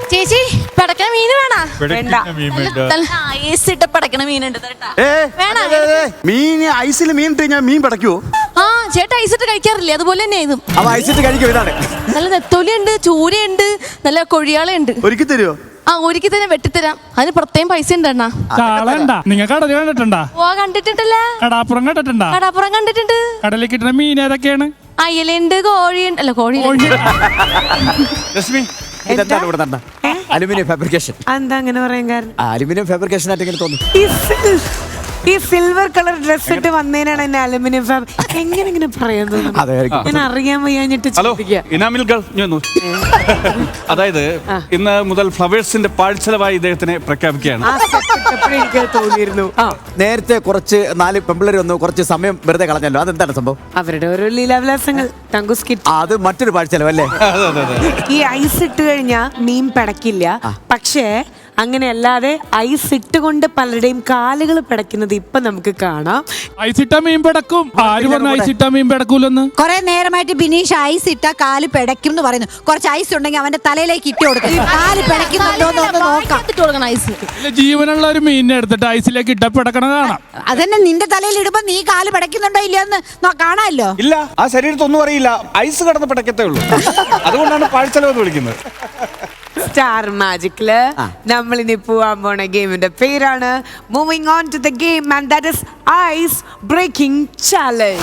ചേച്ചി പടക്കണ മീൻ വേണോ? ഐസ് ഇട്ട് പടക്കണ മീനുണ്ട് മീൻ ഐസിൽ മീൻ ഇട്ട് ഞാൻ മീൻ പടക്കുവോ? ആ ചേട്ടാ ഐസ് ഇട്ട് കഴിക്കാറില്ലേ? അതുപോലെ തന്നെ ഇതും ഐസിട്ട് കഴിക്കും. ഇതാണ് നല്ല നെത്തോലിയുണ്ട്, ചൂരയുണ്ട്, നല്ല കൊഴിയാളുണ്ട്. ഒരുക്കി തരുമോ? ആ ഒരിക്കൽ തന്നെ വെട്ടിത്തരാം. അതിന് പ്രത്യേകം പൈസ ഉണ്ട് അണ്ണാ. നിങ്ങൾ കടൽ കണ്ടിട്ടുണ്ടാ? ഓ കണ്ടിട്ടുണ്ടല്ലേ. കടാപ്പുറം കണ്ടിട്ടുണ്ടാ? കടാപ്പുറം കണ്ടിട്ടുണ്ട്. കടലിൽ കിട്ടുന്ന മീൻ ഏതൊക്കെയാണ്? അയലുണ്ട്, കോഴിയുണ്ട്. അല്ല കോഴി രശ്മി ഇതെന്താണ് ഇവിടെ നടന്ന അലുമിനിയം ഫാബ്രിക്കേഷൻ? എന്താ അങ്ങനെ പറയാൻ കാരണം? അലുമിനിയം ഫാബ്രിക്കേഷൻ ആയിട്ട് ഇങ്ങനെ തോന്നുന്നു. ഈ സിൽവർ കളർ ഡ്രസ് ഇട്ട് വന്നതിനാണ് എന്നെ അലുമിനിയം എങ്ങനെ പറയുന്നത്? ഞാൻ അറിയാൻ വയ്യാഞ്ഞിട്ട്. ഹലോ ഇനാമിൽ ഗൾ, അതായത് ഇന്ന് മുതൽ ഫ്ലവേഴ്സിന്റെ പാഴ്ചെലവായി ഇദ്ദേഹത്തിനെ പ്രഖ്യാപിക്കുകയാണ്. എനിക്ക് തോന്നിയിരുന്നു നേരത്തെ കുറച്ച് 4 പെമ്പിള്ളേർ വന്നു, കുറച്ച് സമയം വെറുതെ കളഞ്ഞല്ലോ. അതെന്താണ് സംഭവം? അവരുടെ ഓരോ ലീലാവിലാസങ്ങൾ. അത് മറ്റൊരു പാഴ്ചെലവല്ലേ? ഈ ഐസ് ഇട്ട് കഴിഞ്ഞാൽ മീൻ പിടക്കില്ല. പക്ഷേ അങ്ങനെയല്ലാതെ ഐസ് ഇട്ടുകൊണ്ട് പലരുടെയും കാലുകൾ പിടയ്ക്കുന്നത് ഇപ്പൊ നമുക്ക് കാണാം. ഐസിട്ട മീൻ പിടക്കും. ആര് പറഞ്ഞു ഐസിട്ട മീൻ പിടക്കൂലെന്ന്? കുറെ നേരമായിട്ട് ബിനീഷ് ഐസ് ഇട്ട കാല് പിടയ്ക്കും എന്ന് പറയുന്നു. കുറച്ച് ഐസ് ഉണ്ടെങ്കിൽ അവന്റെ തലയിലേക്ക് ഇട്ട് കൊടുക്കും. കാല് പിടയ്ക്കുന്നുണ്ടോന്ന് നോക്കാം. ഐസ് ജീവനുള്ള ഒരു മീനിനെ എടുത്തിട്ട് ഐസിലേക്ക് ഇട്ട പിടക്കണ കാണാം. അതന്നെ നിന്റെ തലയിൽ ഇടുമ്പോ നീ കാല് പിടയ്ക്കുന്നുണ്ടോ ഇല്ലയെന്ന് കാണാമല്ലോ. ഇല്ല, ആ ശരീരത്തൊന്നും അറിയില്ല. ഐസ് കടന്ന് പിടക്കത്തേ ഉള്ളൂ. അതുകൊണ്ടാണ് പാഴ്ചെലവ് വിളിക്കുന്നത്. സ്റ്റാർ മാജിക്കില് നമ്മൾ ഇനി പോവാൻ പോണ ഗെയിമിന്റെ പേരാണ് moving on to the game and that is ice breaking challenge.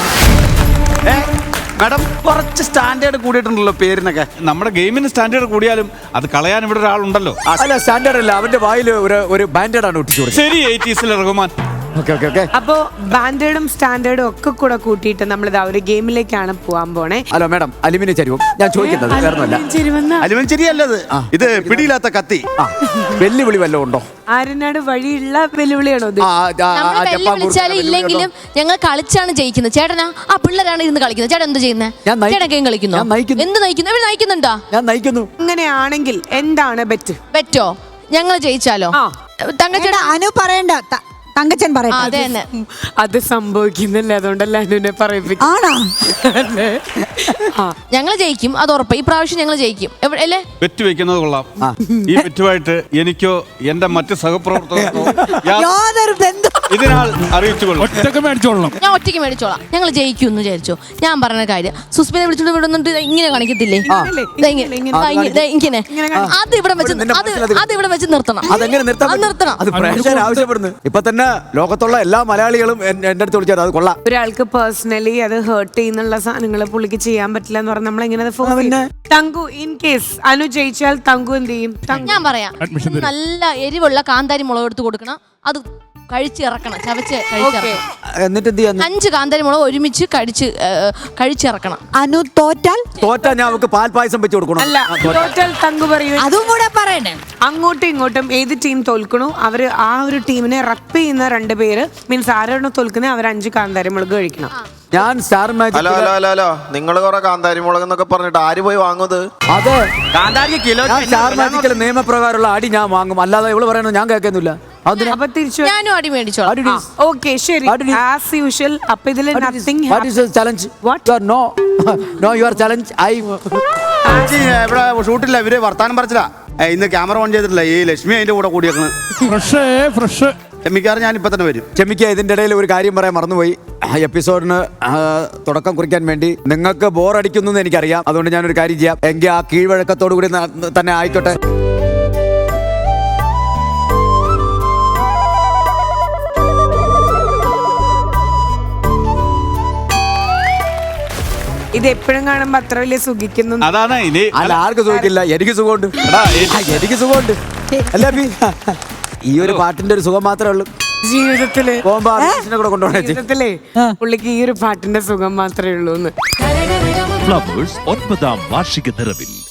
Madam കുറച്ച് സ്റ്റാൻഡേർഡ് കൂടിയിട്ടുണ്ടല്ലോ പേരിനൊക്കെ. നമ്മുടെ ഗെയിമിന് സ്റ്റാൻഡേർഡ് കൂടിയാലും അത് കളയാൻ ഇവിടെ ഒരാളുണ്ടല്ലോ. അല്ല സ്റ്റാൻഡേർഡ് അല്ല, അവന്റെ വായിൽ ഒരു ബാൻഡേഡ് ആണ് ഒട്ടിച്ചു. ശരി, 80s റഹ്മാൻ. അപ്പോ ബാൻഡേഡും സ്റ്റാൻഡേർഡും ഒക്കെ കൂടെ കൂട്ടിയിട്ട് നമ്മൾ ഒരു ഗെയിമിലേക്കാണ് പോവാൻ പോണേ. ഹലോ മാഡം, അലുമിനിയം ചരിവും ഞാൻ ചോദിക്കുന്നത് അലുമിനിയം ചരിയല്ലത്. ഇത് പിടിയില്ലാത്ത കത്തി. വെല്ലുവിളി വല്ലതും ഉണ്ടോ? ആരനാട് വഴിയുള്ള വെല്ലുവിളിയാണോ? വിളിച്ചാലും ഇല്ലെങ്കിലും ഞങ്ങൾ കളിച്ചാണ് ജയിക്കുന്നത്. ചേട്ടനാ ആ പിള്ളേരാണ് ഇരുന്ന് കളിക്കുന്നത്. ചേട്ടൻ എന്ത് ചെയ്യുന്നത്? ചേട്ടൻ ഗെയിം കളിക്കുന്നു. എന്ത് നയിക്കുന്നു? ഇവർ നയിക്കുന്നുണ്ടോ? ഞാൻ നയിക്കുന്നു. അങ്ങനെയാണെങ്കിൽ എന്താണ് ബെറ്റ്? ബെറ്റോ? ഞങ്ങൾ ജയിച്ചാലോ? തങ്കച്ചേട്ടാ അനു പറയണ്ട, തങ്കച്ചൻ പറയട്ടെ. അത് സംഭവിക്കുന്നില്ല, അതുകൊണ്ടല്ല അനുവിനെ പറയിപ്പിക്കും. ഞങ്ങൾ ജയിക്കും, അത് ഉറപ്പ്. ഈ പ്രാവശ്യം ഞങ്ങൾ ജയിക്കും അല്ലേ? ബെറ്റ് വെക്കുന്നത് കൊള്ളാം. ഈ ബെറ്റുമായിട്ട് എനിക്കോ എന്റെ മറ്റ് സഹപ്രവർത്തകർക്കോ ഇതിനാൽ അറിയിച്ചുകൊള്ളു. ഞാൻ ഒറ്റയ്ക്ക് മേടിച്ചോളാം. ഞങ്ങൾ ജയിക്കും എന്ന് വിചാരിച്ചോ. ഞാൻ പറഞ്ഞ കാര്യം സുസ്മിനെ വിളിച്ചോണ്ട് വിടുന്നുണ്ട്. ഇങ്ങനെ കാണിക്കത്തില്ലേ? ഇങ്ങനെ അത് ഇവിടെ വെച്ച് നിർത്തണം. ആവശ്യപ്പെടുന്നു. ഇപ്പൊ തന്നെ ലോകത്തുള്ള എല്ലാ മലയാളികളും എന്റെ അടുത്ത് വിളിച്ചാൽ അത് കൊള്ളാം. ഒരാൾക്ക് പേഴ്സണലി അത് ഹേർട്ട് ചെയ്യുന്നുള്ള സാധനങ്ങൾ പുള്ളിക്ക് ചെയ്യാൻ പറ്റില്ല എന്ന് പറഞ്ഞാൽ നമ്മളെങ്ങനെ തങ്കു ഇൻ കേസ് അനു ജയിച്ചാൽ തങ്കു എന്ത് ചെയ്യും? ഞാൻ പറയാം, നല്ല എരിവുള്ള കാന്താരി മുളക് എടുത്ത് കൊടുക്കണം. അത് കഴിച്ചിറക്കണം, ചവച്ച് കഴിച്ചിറക്കണം. എന്നിട്ട് എന്ത് ചെയ്യാൻ? 5 കാന്താരി മുളക് ഒരുമിച്ച് കഴിച്ചിറക്കണം. അനു തോറ്റാൽ ഞാൻ അവർക്ക് പാൽ പായസം വെച്ച് കൊടുക്കണം. അല്ല, തോറ്റാൽ തങ്കു പറയൂ. അതും കൂടെ പറയണേ. അങ്ങോട്ടും ഇങ്ങോട്ടും ഏത് ടീം തോൽക്കണോ അവര് ആ ഒരു ടീമിനെ റപ്പ് ചെയ്യുന്ന 2 പേര് മീൻസ് ആരാണോ തോൽക്കുന്നത് അവർ 5 കാന്താരി മുളക് കഴിക്കണം. ഞാൻ സ്റ്റാർ മാജിക് ഹലോ നിങ്ങൾ കുറെ കാന്താരി മുളക് എന്നൊക്കെ പറഞ്ഞിട്ട് ആര് പോയി വാങ്ങുന്നത്? അതെ, സ്റ്റാർ മാജിക്കിലെ നിയമപ്രകാരമുള്ള അടി ഞാൻ വാങ്ങും. അല്ലാതെ ഇവള് പറയുന്നത് ഞാൻ കേൾക്കുന്നില്ല. ഞാനും അടി മേടിച്ചോളാം. ഓക്കെ ശരി, ആസ് യൂഷ്വൽ. അപ്പൊ ഇതില് nothing. What is challenge? What you are know your challenge. ഇവിടെ ഷൂട്ടില്ല, ഇവര് വർത്താനം പറച്ചില്ല. ഇന്ന് ക്യാമറ ഓൺ ചെയ്തിട്ടില്ല. ഈ ലക്ഷ്മി അതിന്റെ കൂടെ കൂടിയേക്കണ്. ക്ഷമിക്കാറ്, ഞാൻ ഇപ്പൊ തന്നെ വരും. ക്ഷമിക്കുക. ഇതിന്റെ ഇടയിൽ ഒരു കാര്യം പറയാൻ മറന്നുപോയി. എപ്പിസോഡിന് തുടക്കം കുറിക്കാൻ വേണ്ടി നിങ്ങൾക്ക് ബോറടിക്കുന്നു എന്ന് എനിക്കറിയാം. അതുകൊണ്ട് ഞാനൊരു കാര്യം ചെയ്യാം. എങ്കിൽ ആ കീഴ്വഴക്കത്തോടു കൂടി തന്നെ ആയിക്കോട്ടെ. ഇത് എപ്പോഴും കാണുമ്പോ അത്ര വലിയ സുഖിക്കുന്നു. അതാണ് അല്ല, ആർക്ക് സുഖിക്കില്ല? എനിക്ക് സുഖമുണ്ട്. എനിക്ക് സുഖമുണ്ട്. അല്ല, ഈ ഒരു പാട്ടിന്റെ ഒരു സുഖം മാത്രമേ ഉള്ളൂ ജീവിതത്തില്. ജീവിതത്തിലേ പുള്ളിക്ക് ഈ ഒരു പാട്ടിന്റെ സുഖം മാത്രമേ ഉള്ളൂ. ഫ്ലവേഴ്സ് 9ാം വാർഷിക നിറവിൽ